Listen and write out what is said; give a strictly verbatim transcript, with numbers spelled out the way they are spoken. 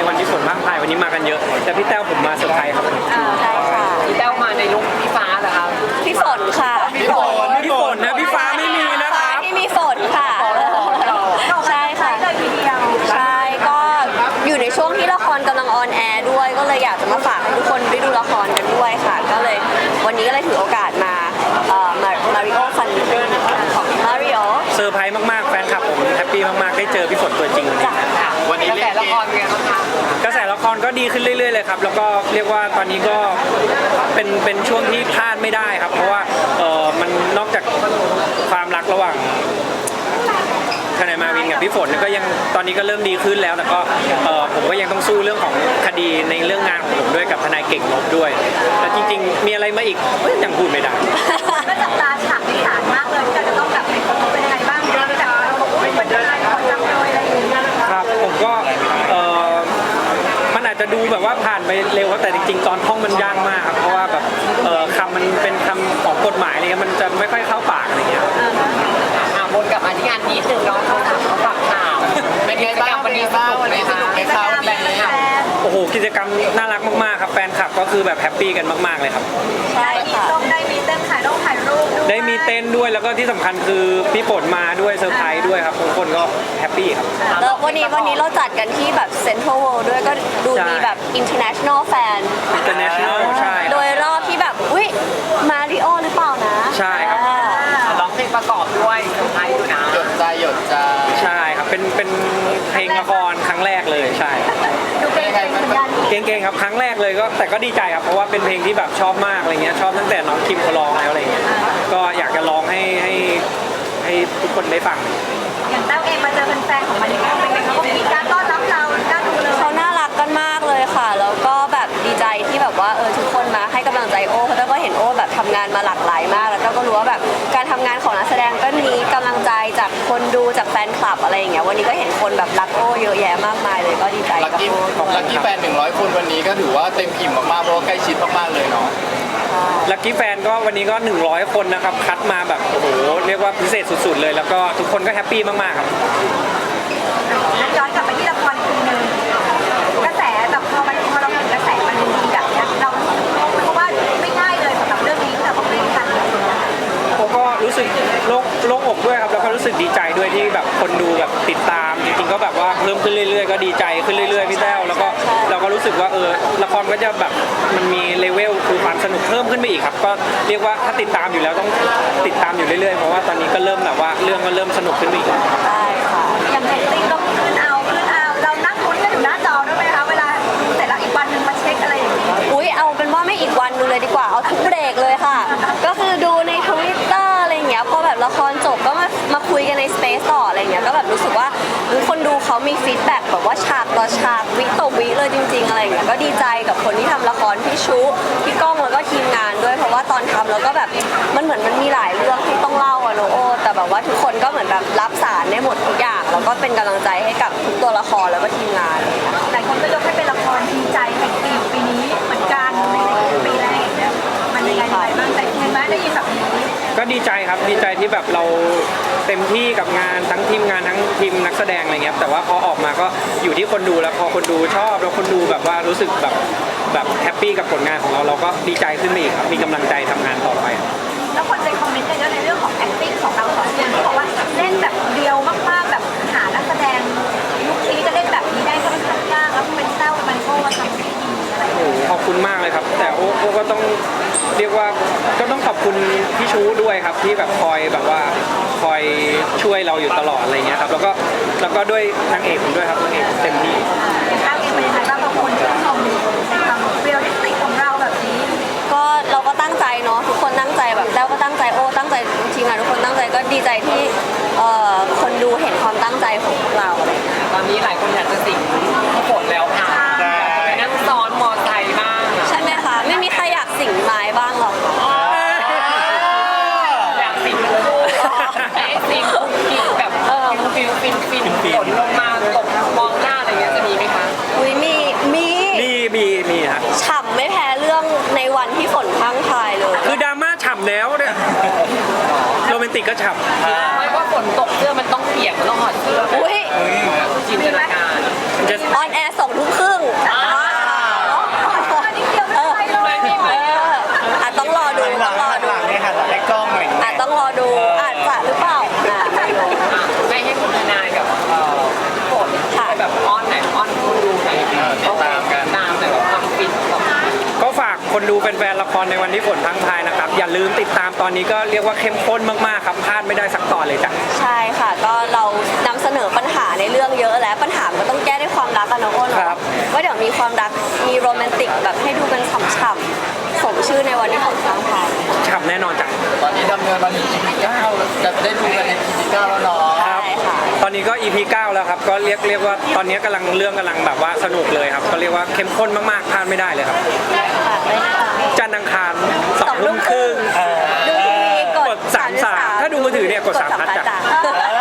วันที่ฝนพรางพรายวันนี้มากันเยอะแต่พี่แต้วผมมาเซอร์ไพรส์ครับใช่ค่ะพี่แต้วมาในลุคพี่ฟ้าเหรอคะพี่ฝนค่ะพี่ฝนพี่ฝนนะพี่ฟ้าไม่มีนะครับที่มีฝนค่ะใช่ค่ะใช่ก็อยู่ในช่วงที่ละครกำลังออนแอร์ด้วยก็เลยอยากจะมาฝากให้ทุกคนได้ดูละครกันด้วยค่ะก็เลยวันนี้ก็เลยถือโอกาสมาเอ่อมามาริโอฟันของมาริโอเซอร์ไพรส์มากๆแฟนคลับผมแฮปปี้มากๆได้เจอพี่ฝนตัวจริงวันนี้กระแสละครเป็นไงบ้างคะกระแสละครก็ดีขึ้นเรื่อยๆเลยครับแล้วก็เรียกว่าตอนนี้ก็เป็นเป็นช่วงที่พลาดไม่ได้ครับเพราะว่าเออมันนอกจากความรักระหว่างทนายมาวินกับพี่ฝนก็ยังตอนนี้ก็เริ่มดีขึ้นแล้วแต่ก็เออผมก็ยังต้องสู้เรื่องของคดีในเรื่องงานของผมด้วยกับทนายเก่งลบด้วยแต่จริงๆมีอะไรมาอีกยังพูดไม่ได้ก็จับตาฉากที่ฐานมากเลยที่เราจะต้องแบบเป็นคนเป็นยังไงบ้างเราแบบเราบอกว่าเป็นยังไงคนจำเลยอะไรอย่างเงี้ยครับผมก็เออมันอาจจะดูแบบว่าผ่านไปเร็วครับแต่จริงๆตอนท่องมันยากมากครับเพราะว่าแบบเออคำมันเป็นคำของกฎหมายอะไรเงี้ยมันจะไม่ค่อยเข้าปากอะไรเงี้ยวนกลับมาที่งานนิดนึงเนาะเขาถามเขาฝากข่าวเป็นไงบ้างวันนี้สนุกไหมคะกิจกรรมอะไรเนี่ยโอ้โหกิจกรรมน่ารักมากๆครับแฟนคลับก็คือแบบแฮปปี้กันมากๆเลยครับได้มีต้องได้มีเต้นถ่ายรูปถ่ายรูปได้มีเต้นด้วยแล้วก็ที่สำคัญคือพี่ฝนมาด้วยเซอร์ไพรส์ด้วยครับทุกคนก็แฮปปี้ครับแล้ววันนี้วันนี้เราจัดกันที่แบบเซ็นทรัลเวิลด์ด้วยก็ดูมีแบบ international fan international ใช่โดยรอบที่แบบอุ้ยมาริโอหรือเปล่านะใช่ครับร้องเพลงประกอบด้วยเซอร์ไพรส์อยู่นะหยดใจหยดใจใช่ครับเป็นเป็นเพลงละครครั้งแรกเลยใช่ดูเป็นไงเหมือนกันเก่งๆครับครั้งแรกเลยก็แต่ก็ดีใจครับเพราะว่าเป็นเพลงที่แบบชอบมากอะไรเงี้ยชอบตั้งแต่น้องคิมเขาร้องแล้วอะไรเงี้ยก็อยากจะร้องให้ให้ให้ทุกคนได้ฟังอย่างแต้วเองมาเจอแฟนๆของมาริโอเป็นไงเขาก็มีการต้อนรับเราน่าดูเลยเขาน่ารักกันมากเลยค่ะแล้วก็แบบดีใจที่แบบว่าเออทุกคนมาให้กำลังใจโอ้เพราะต้าก็เห็นโอ้แบบทำงานมาหลากหลายมากแล้วต้าก็รู้ว่าแบบการทำงานของนักแสดงก็มีกำลังใจจากคนดูจากแฟนคลับอะไรอย่างเงี้ยวันนี้ก็เห็นคนแบบรักโอ้เยอะแยะมากมายเลยก็ดีใจกับโอ้ลักกี้แฟนหนึ่งร้อยคนวันนี้ก็ถือว่าเต็มอิ่มมากๆเพราะว่าใกล้ชิดมากๆเลยเนาะลักกี้แฟนก็วันนี้ก็หนึ่งร้อยคนนะครับคัดมาแบบโอ้โหเรียกว่าพิเศษสุดๆเลยแล้วก็ทุกคนก็แฮปปี้มากๆครับย้อนกลับไปที่ละครอีกทีนึงกระแสแบบพอมันพอเราเห็นกระแสมันดีแบบนี้เราเพราะว่าไม่ง่ายเลยสำหรับเรื่องนี้ที่เราต้องเล่นกันผมก็รู้สึกโล่งโล่งอกด้วยครับแล้วก็รู้สึกดีใจด้วยที่แบบคนดูแบบติดตามจริงๆก็แบบว่าเพิ่มขึ้นเรื่อยๆก็ดีใจขึ้นเรื่อยๆพี่แต้วแล้วก็เราก็รู้สึกว่าเออละครก็จะแบบมันมีเลเวลคือความสนุกเพิ่มขึ้นไปอีกครับก็เรียกว่าถ้าติดตามอยู่แล้วต้องติดตามอยู่เรื่อยๆเพราะว่าตอนนี้ก็เริ่มแบบว่าเรื่องก็เริ่มสนุกขึ้นไปอีกใช่ค่ะอย่างเรตติ้งก็ขึ้นเอาขึ้นเอาเรานั่งลุ้นกันอยู่หน้าจอด้วยไหมคะเวลาดูเสร็จแล้วอีกวันนึงมาเช็คอะไรอย่างนี้อุ้ยเอาเป็นว่าไม่อีกวันนึงเลยดีกว่าเอาทุกเบรกเลยค่ะก็คือดูในทวิตเตอร์อะไรอย่างเงี้ยพอแบบละครจบก็มามาคุยกันในสเปซต่ออะไรเงี้ยก็แบบรู้สึกว่าคนดูเขามีฟีดแบ็กแบบว่าฉากต่อฉากวิต่อวิเลยจริงๆอะไรเงี้ยก็ดีใจกับคนที่ทำละครพี่ชุพี่ก้องแล้วก็ทีมงานด้วยเพราะว่าตอนทำแล้วก็แบบมันเหมือนมันมีหลายเรื่องที่ต้องเล่าอะโนโอแต่แบบว่าทุกคนก็เหมือนแบบรับสารได้หมดทุกอย่างแล้วก็เป็นกำลังใจให้กับทุกตัวละครแล้วก็ทีมงานหลายคนก็ยกให้เป็นละครดีใจแห่งปีปีนี้เหมือนกันในปีแรกเนี่ยมันยังไงบ้างแต่เห็นไหมได้ยินแบบนี้ก็ดีใจครับดีใจที่แบบเราเต็มที่กับงานทั้งทีมงานทั้งทีมนักแสดงอะไรเงี้ยแต่ว่าพอออกมาก็อยู่ที่คนดูแล้วพอคนดูชอบแล้วคนดูแบบว่ารู้สึกแบบแบบแฮปปี้กับผลงานของเราเราก็ดีใจขึ้นมาอีกครับมีกำลังใจทำงานต่อไปแล้วคนใจคอมเมนต์กันเยอะในเรื่องของ acting ของเราสองคนที่บอกว่าเล่นแบบเดียวมากๆแบบหานักแสดงยุคนี้จะเล่นแบบนี้ได้ก็ค่อนข้างยากแล้วเป็นเต้ามันโก้ทำได้ดีอะไรโอ้ขอบคุณมากเลยครับแต่โอ้โอ้ก็ต้องเรียกว่าก็ต้องขอบคุณพี่ชูด้วยครับที่แบบคอยแบบว่าคอยช่วยเราอยู่ตลอดอะไรเงี้ยครับแล้วก็แล้วก็ด้วยนางเอกผมด้วยครับนางเอกเต็มที่เต้าเองเป็นยังไงบ้างขอบคุณที่ชมในความเรียลลิสติกของเราแบบนี้ก็เราก็ตั้งใจเนาะทุกคนตั้งใจแบบแล้วก็ตั้งใจโอ้ตั้งใจทีมงานทุกคนตั้งใจก็ดีใจที่คนดูเห็นความตั้งใจของพวกเราอะไรตอนนี้หลายคนอยากจะสิงพี่ฝนแล้วค่ะไปนั่งซ้อนมอไซค์บ้างใช่ไหมคะไม่มีใครอยากสิงไม้บ้างหรอกอยากสิงไอ้สิงกินแบบเออฟินฟินฟินฝนลงมาตกมองหน้าอะไรเงี้ยจะมีไหมคะอุ้ยมีมีมีมีมีฮะฉ่ำไม่แพ้เรื่องในวันที่ฝนพังพายเลยคือดราม่าฉ่ำแล้วเนี่ยโรแมนติกก็ฉ่ำไม่ว่าฝนตกเสื้อมันต้องเปียกมันต้องหอดเสื้ออุ้ยจินตนาการออนแอร์สองทุ่มครึ่งรในวันที่ฝนพรังพรายนะครับอย่าลืมติดตามตอนนี้ก็เรียกว่าเข้มข้นมากๆครับพลาดไม่ได้สักตอนเลยจ้ะใช่ค่ะ ก็เรานำเสนอปัญหาในเรื่องเยอะแล้วปัญหามันก็ต้องแก้ด้วยความรักกันนะโอ้ครัเนาะบว่าเดี๋ยวมีความรักมีโรแมนติกแบบให้ดูกันฉ่ำๆสมชื่อในวันที่ฝนพรังพรายฉ่ำแน่นอนจ้ะตอนนี้ดำเนินมาถึง อี พี เก้าแล้วจะได้ดูกันใน อี พี เก้าแล้วเนาะครับใช่ค่ะตอนนี้ก็ อี พี เก้าแล้วครับก็เรียกเรียกว่าตอนนี้กำลังเรื่องกำลังแบบว่าสนุกเลยครับก็เรียกว่าเข้มข้นมากๆพลาดไม่ได้เลยครับฝากด้วยนะคะจันทร์อังคารสองทุ่มครึ่งดูทีวีกกดดสามสามถ้าดูมือถือเนี่ยกดสามพัดจ้ะจ้ะ